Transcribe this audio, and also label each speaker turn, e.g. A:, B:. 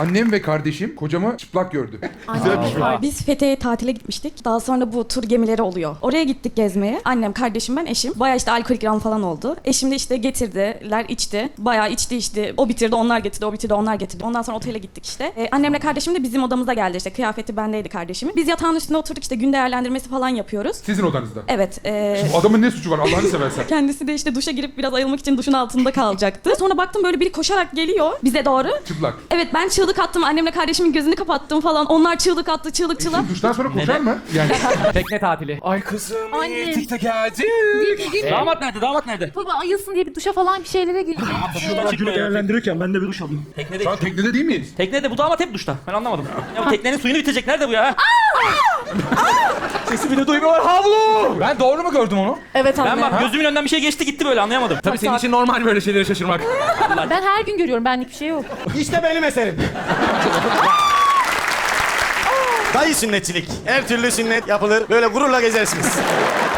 A: Annem ve kardeşim kocamı çıplak gördü.
B: Biz Fethiye'ye tatile gitmiştik. Daha sonra bu tur gemileri oluyor. Oraya gittik gezmeye. Annem, kardeşim, ben, eşim. Bayağı işte alkolik ram falan oldu. Eşim de işte getirdiler, içti. Bayağı içti. O bitirdi, onlar getirdi, o bitirdi, onlar getirdi. Ondan sonra otele gittik işte. Annemle kardeşim de bizim odamıza geldi işte. Kıyafeti bendeydi kardeşimin. Biz yatağın üstünde oturduk işte, gün değerlendirmesi falan yapıyoruz.
A: Sizin odanızda.
B: Evet.
A: Bu adamın ne suçu var Allah'ını seversen?
B: Kendisi de işte duşa girip biraz ayılmak için duşun altında kalacaktı. Sonra baktım böyle biri koşarak geliyor bize doğru.
A: Çıplak.
B: Evet, ben çığlık attım. Annemle kardeşimin gözünü kapattım falan. Onlar çığlık attı, çığlık.
A: Duştan sonra koşar mı? Yani
C: Tekne tatili.
D: Ay kızım,
E: Anne.
D: TikTok'a geldik.
C: Damat nerede? Damat nerede?
E: Baba ayılsın diye bir duşa falan bir şeylere girdi.
F: Günü değerlendirirken ben de bir duş alayım.
C: Teknede.
A: şu an teknede değil miyiz?
C: Teknede bu damat hep duşta. Ben anlamadım. Ya bu teknenin suyunu bitecek. Nerede bu ya?
D: Sesi bile duymuyorlar, havlu. Ben doğru mu gördüm onu?
B: Evet anne.
C: Ben bak gözümün önünden bir şey geçti gitti böyle anlayamadım.
D: Tabii senin için normal böyle şeylere şaşırmak.
E: Ben her gün görüyorum, benlik bir şey yok.
F: İşte benim eserim.
G: Dayı sünnetçilik. Her türlü sünnet yapılır. Böyle gururla gezersiniz.